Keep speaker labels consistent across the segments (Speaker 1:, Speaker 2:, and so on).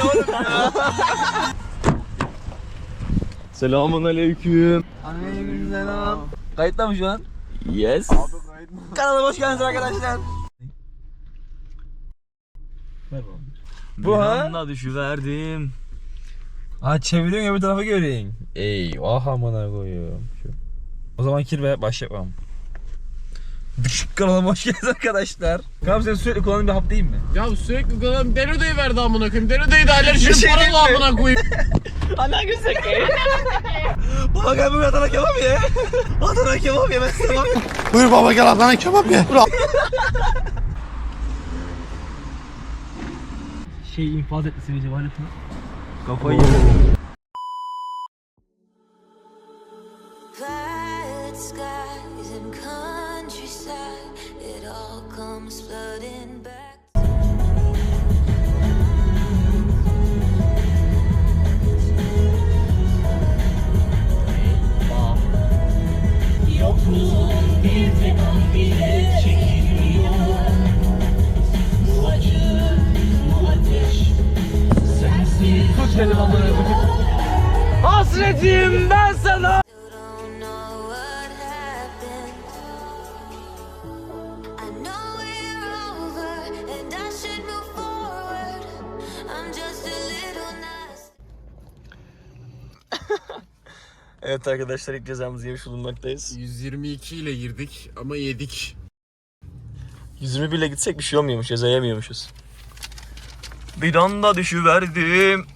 Speaker 1: oğlum ya? Selamun aleyküm.
Speaker 2: Aleykümselam. Kayıtta mı şu an?
Speaker 1: Yes.
Speaker 2: Kanala hoş geldiniz arkadaşlar.
Speaker 1: Bu ha? Düşüverdim.
Speaker 2: Ha çeviriyorsun öbür tarafa göreyim. Eyvah amına koyuyorum. O zaman kirve başlayalım. Kanalıma hoş geldiniz arkadaşlar. Kanka sen sürekli kullandığın bir hap değil mi?
Speaker 3: Ya sürekli kullanım Denoda'yı verdi amına koyayım. Denoda'yı da alerjinin
Speaker 2: şey
Speaker 3: paralı amına koyayım.
Speaker 1: Ana güzel.
Speaker 2: Baba gel bir Adana kebap ye. Adana kebap ye ben istemem.
Speaker 4: Buyur baba gel Adana kebap ye.
Speaker 1: Şey infaz etti seni cevap lafına.
Speaker 2: Kafayı
Speaker 5: Violet skies and countryside, it all comes flooding back.
Speaker 6: Yokluğun bir tek an bile çekilmiyor. Bu acı, bu ateş sensiz.
Speaker 1: Tut dedim amına koyayım. Hasretim ben sana.
Speaker 5: You don't know what happened. I know we're over and I should move forward. I'm just a little nasty.
Speaker 1: Evet arkadaşlar ilk cezamızı yemiş bulunmaktayız.
Speaker 3: 122 ile girdik ama yedik.
Speaker 1: 121 ile gitsek bir şey olmuyormuş, ceza yemiyormuşuz. Bir anda düşüverdim.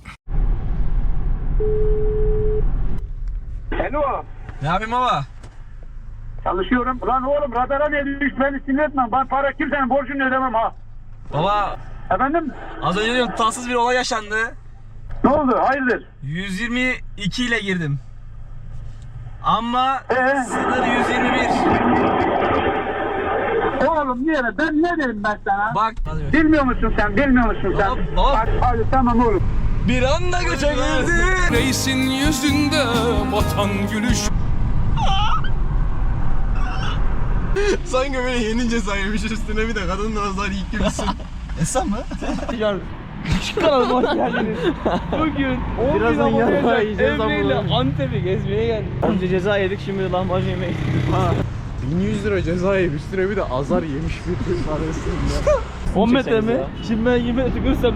Speaker 7: Alo,
Speaker 2: Ne yapayım baba?
Speaker 7: çalışıyorum. Ulan oğlum radara ne düş beni sinir etme. Ben para kimsenin borcunu ödemem ha.
Speaker 2: Baba
Speaker 7: Efendim?
Speaker 2: az önce diyorum tatsız bir olay yaşandı.
Speaker 7: Ne oldu? Hayırdır?
Speaker 2: 122 ile girdim. Ama sınır 121.
Speaker 7: Oğlum niye? Ben ne dedim ben sana?
Speaker 2: Bak.
Speaker 7: Bilmiyor musun sen? Bilmiyor musun sen?
Speaker 2: Baba.
Speaker 7: Hadi tamam oğlum.
Speaker 2: Bir anda göçe girdi.
Speaker 3: Reisin yüzünde batan gülüş. Sanki böyle yeni ceza yemiş üstüne bir de kadın nazar ilk gibisin.
Speaker 2: Esam mı?
Speaker 1: Kanalıma hoş geldiniz. Bugün 10
Speaker 2: Birazdan yarrağı yiyeceğiz
Speaker 1: Emre ile
Speaker 2: ama.
Speaker 1: Antep'e gezmeye geldik. Önce ceza yedik, şimdi lahmacun yemeğe gidiyoruz.
Speaker 3: 1100 lira ceza yemiş üstüne bir de azar yemiş bir kız arasında.
Speaker 1: 10 metre
Speaker 2: Çekseniz
Speaker 1: mi?
Speaker 2: ya.
Speaker 1: Şimdi ben 20 metre tükürsem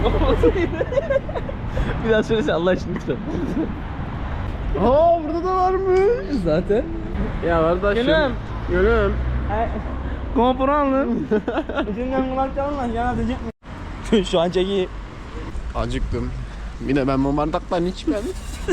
Speaker 1: bir daha söylesene Allah için lütfen.
Speaker 3: Aa burada da varmış.
Speaker 1: Zaten.
Speaker 3: Ya kardeşim.
Speaker 1: Gülüm.
Speaker 3: Gülüm.
Speaker 1: Kompuranlı. İçinden kulak çalın yana diyecek mi?
Speaker 2: Şu an çeki.
Speaker 3: Acıktım. Yine ben bu bardaktan içmedim.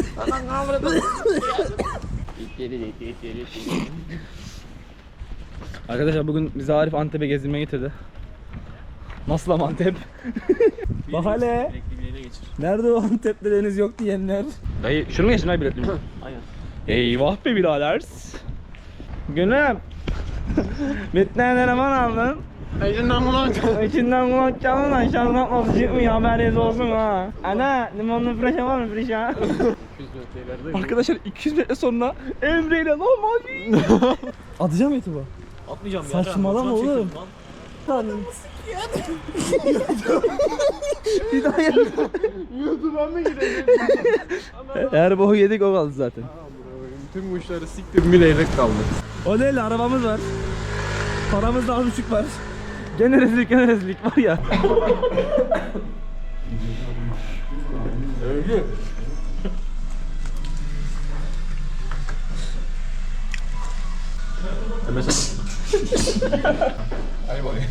Speaker 1: Arkadaşlar bugün bizi Arif Antep'e gezdirmeye getirdi. Nasıl ama Antep? Bak hele. Nerede o Antep'te deniz yok diyenler? Dayı şunu mu geçtin ay biletli mi? Aynen. Eyvah be birader. Gülüm. Bitten eleman aldın. İçinden kulak çalın lan şarkı atması çıkmıyor haberiniz olsun ha. Ana limonlu freşe var mı freşe? Arkadaşlar 200 metre sonra Emre ile lahmacun. Atacağım YouTube'a.
Speaker 3: Atmayacağım
Speaker 1: ya. Saçmalama oğlum. Bir daha yap.
Speaker 3: YouTube'a mı gideceğim?
Speaker 1: Her boku yedik o kaldı zaten.
Speaker 3: Tüm kuşları siktim bilerek kaldı.
Speaker 1: O değil arabamız var. Paramız da az buçuk var. Gene rezillik var ya.
Speaker 3: Övgü.
Speaker 2: Hadi bakayım.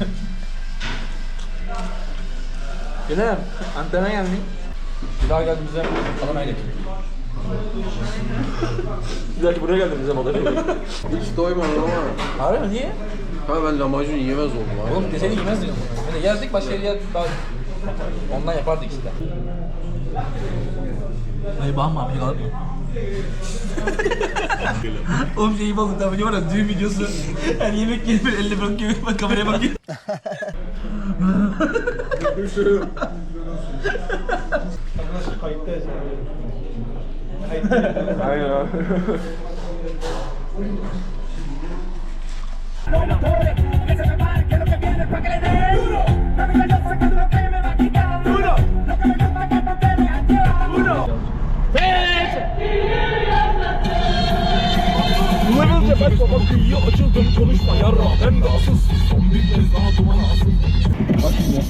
Speaker 2: Gülüm, Antep'e geldin. Bir daha geldiğimizde Adana'ya getir.
Speaker 1: Bir dahaki buraya geldiğimizde modeli.
Speaker 3: Hiç doymadım ama.
Speaker 2: Harbi mi? Niye?
Speaker 3: Ha ben lahmacun yiyemez oldum abi.
Speaker 2: Oğlum deseni yemez diyorum. Hani yazdık başka yere ondan yapardık işte. Hayır bakma bir kalıp mı? Oğlum şeyi bulduk da var ya düğün videosu. Her yemek gelip böyle elle bırakıyor bak kameraya bakıyor.
Speaker 1: Aynen abi.
Speaker 6: Que se prepare, que lo que viene pa' que le dé duro. Dame la yosa que tú lo que me va a quitar duro. Lo que me gusta que
Speaker 2: kapıyı açıldım konuşma yarra ben de asıl son bir kez daha dumana asıl. Bak şimdi.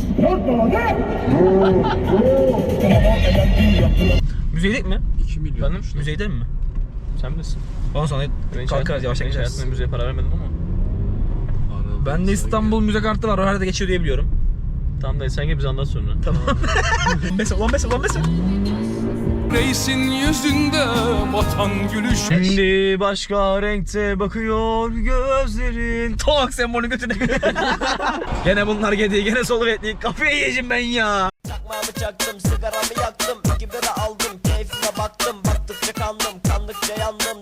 Speaker 2: Müzeydik mi?
Speaker 3: 2 milyon.
Speaker 2: Benim müzeyde mi?
Speaker 1: Sen bilirsin.
Speaker 2: Ondan sonra kalkarız yavaş yavaş.
Speaker 1: Hayatımda müziğe para vermedim ama.
Speaker 2: Ben de İstanbul müze kartı var o herhalde geçiyor diye biliyorum.
Speaker 1: Tamam da sen gel bize anlat sonra.
Speaker 2: Tamam. Mesela lan.
Speaker 6: Reisin yüzünde batan gülüş.
Speaker 2: Şimdi başka renkte bakıyor gözlerin. Tak sen bunu götüne. Gene bunlar gedi, gene soluk ettik. Kafayı yiyeceğim ben ya.
Speaker 8: Çakmağımı çaktım, sigaramı yaktım, 2 bira aldım, keyfime baktım, baktıkça kandım, kandıkça yandım,